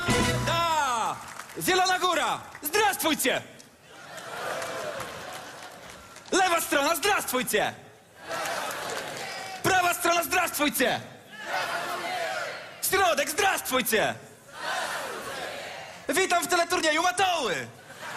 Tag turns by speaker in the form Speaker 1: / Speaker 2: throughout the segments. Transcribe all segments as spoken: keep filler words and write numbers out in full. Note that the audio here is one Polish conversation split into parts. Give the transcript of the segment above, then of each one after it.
Speaker 1: Da! Zielona Góra! Zdrastwujcie! Lewa strona, zdrastwujcie! Prawa strona, zdrastwujcie! Środek, zdrastwujcie! Witam w teleturnieju Matoły!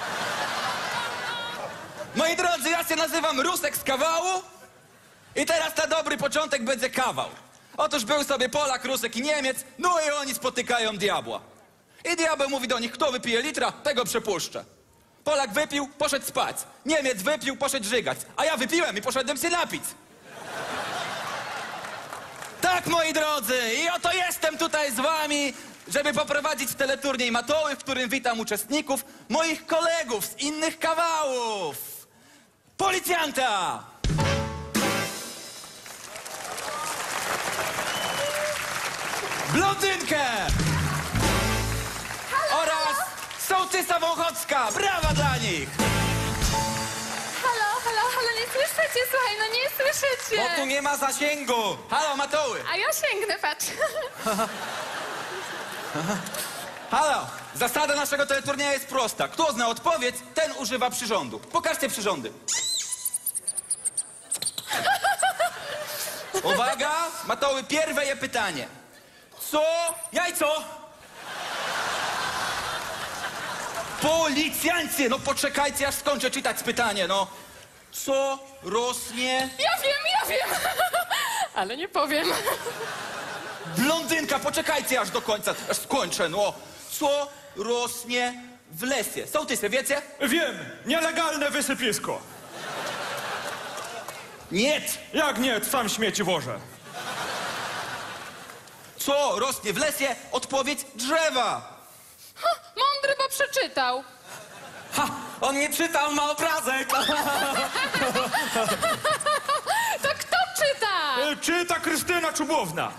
Speaker 1: Moi drodzy, ja się nazywam Rusek z Kawału i teraz na dobry początek będzie kawał. Otóż był sobie Polak, Rusek i Niemiec, no i oni spotykają diabła. I diabeł mówi do nich, kto wypije litra, tego przepuszczę. Polak wypił, poszedł spać. Niemiec wypił, poszedł żygać. A ja wypiłem i poszedłem się napić. Tak, moi drodzy, i oto jestem tutaj z wami, żeby poprowadzić teleturniej Matoły, w którym witam uczestników, moich kolegów z innych kawałów. Policjanta! Blondynkę! Oraz sołtysa Wąchocka! Brawa dla nich!
Speaker 2: Halo, halo, halo, nie słyszycie? Słuchaj, no nie słyszycie.
Speaker 1: Bo tu nie ma zasięgu! Halo, Matoły!
Speaker 2: A ja sięgnę, patrz.
Speaker 1: Halo! Zasada naszego teleturnieju jest prosta. Kto zna odpowiedź, ten używa przyrządu. Pokażcie przyrządy. Uwaga! Matoły, pierwe je pytanie. Co? Jajco! Policjancie! No poczekajcie, aż skończę czytać pytanie, no. Co rośnie...
Speaker 2: Ja wiem, ja wiem. Ale nie powiem.
Speaker 1: Blondynka, poczekajcie aż do końca, aż skończę, no. Co rośnie w lesie? Sołtysy, wiecie?
Speaker 3: Wiem, nielegalne wysypisko.
Speaker 1: Nie!
Speaker 3: Jak nie, sam śmieci wożę.
Speaker 1: Co rośnie w lesie? Odpowiedź drzewa.
Speaker 2: Ha, mądry, bo przeczytał.
Speaker 1: Ha! On nie czytał, ma obrazek.
Speaker 2: To kto czyta?
Speaker 3: E, Czyta Krystyna Czubowna.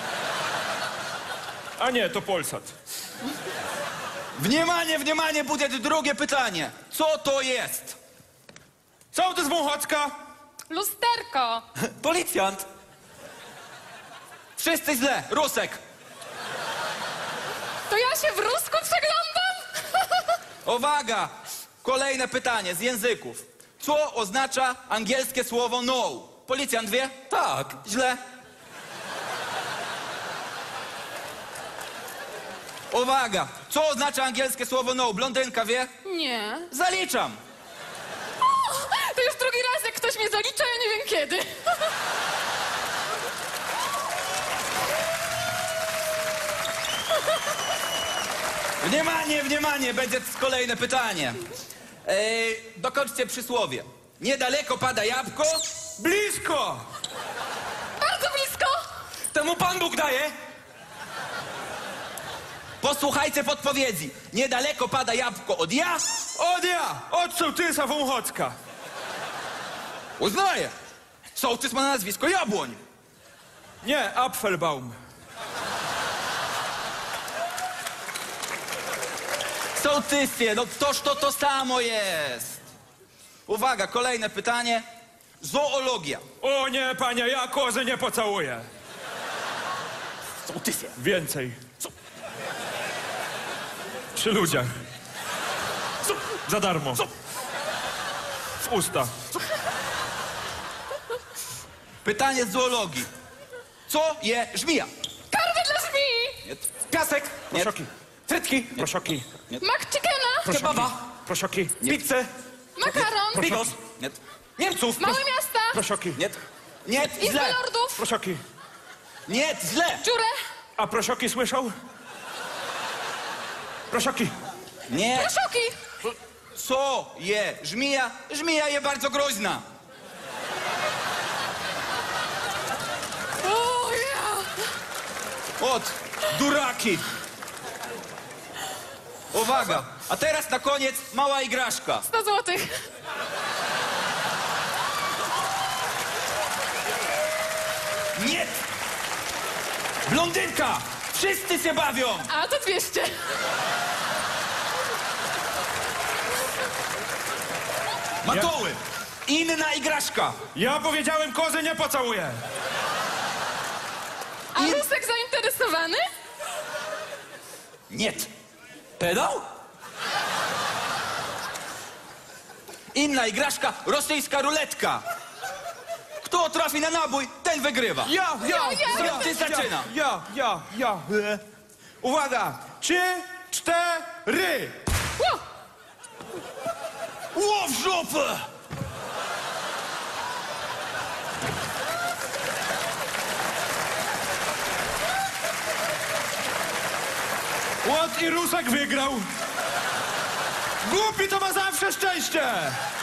Speaker 3: A nie, to Polsat.
Speaker 1: Wniemanie, wniemanie, będzie drugie pytanie. Co to jest?
Speaker 3: Sołtys Wąchocka.
Speaker 2: Lusterko.
Speaker 1: Policjant. Wszyscy źle. Rusek.
Speaker 2: To ja się w rusku przeglądam?
Speaker 1: Uwaga! Kolejne pytanie z języków. Co oznacza angielskie słowo no? Policjant wie? Tak. Źle. Uwaga! Co oznacza angielskie słowo no? Blondynka wie?
Speaker 2: Nie.
Speaker 1: Zaliczam.
Speaker 2: O, to już drugi raz, jak ktoś mnie zalicza, ja nie wiem kiedy.
Speaker 1: Wniemanie, wniemanie, będzie kolejne pytanie. Ej, dokończcie przysłowie. Niedaleko pada jabłko.
Speaker 3: Blisko.
Speaker 2: Bardzo blisko.
Speaker 1: Temu Pan Bóg daje. Posłuchajcie podpowiedzi. Niedaleko pada jabłko od ja.
Speaker 3: Od ja, od sołtysa Wąchocka.
Speaker 1: Uznaję. Sołtys ma na nazwisko Jabłoń.
Speaker 3: Nie, Apfelbaum.
Speaker 1: Sołtysie, no toż to to samo jest. Uwaga, kolejne pytanie. Zoologia.
Speaker 3: O nie, panie, ja kozy nie pocałuję.
Speaker 1: Sołtysie.
Speaker 3: Więcej. Przy ludziach. Za darmo. W usta.
Speaker 1: Pytanie z zoologii. Co je żmija?
Speaker 2: Karwy dla żmii.
Speaker 1: Nie. Piasek. Nie.
Speaker 3: Proszoki.
Speaker 1: Frytki.
Speaker 3: Proszoki.
Speaker 2: McChickena.
Speaker 1: Kebaba.
Speaker 3: Proszoki.
Speaker 1: Pizzę.
Speaker 2: Makaron.
Speaker 1: Bigos. Nie. Niemców.
Speaker 2: Małe miasta.
Speaker 3: Proszoki.
Speaker 1: Nie. Nie,
Speaker 2: Izba
Speaker 1: źle.
Speaker 2: lordów.
Speaker 3: Proszoki.
Speaker 1: Nie, źle.
Speaker 2: Dziurę.
Speaker 3: A prosioki słyszał? Prosioki.
Speaker 1: Nie.
Speaker 2: Proszoki.
Speaker 1: Co je żmija? Żmija je bardzo groźna.
Speaker 2: O ja.
Speaker 1: Od duraki. Uwaga. A teraz na koniec mała igraszka.
Speaker 2: sto złotych.
Speaker 1: Nie. Blondynka. Wszyscy się bawią.
Speaker 2: A to dwieście.
Speaker 1: Matoły. Inna igraszka.
Speaker 3: Ja powiedziałem, kozy nie pocałuję.
Speaker 2: A Rusek zainteresowany?
Speaker 1: Nie. Pedał? Inna igraszka, rosyjska ruletka. Kto trafi na nabój, ten wygrywa.
Speaker 3: Ja, ja,
Speaker 2: Ja, ja,
Speaker 1: Ty zaczyna.
Speaker 3: ja, ja, ja. E. Uwaga, trzy, cztery.
Speaker 2: Ło!
Speaker 1: Ło w żopę!
Speaker 3: Łot i Rusek wygrał. Głupi to ma zawsze szczęście.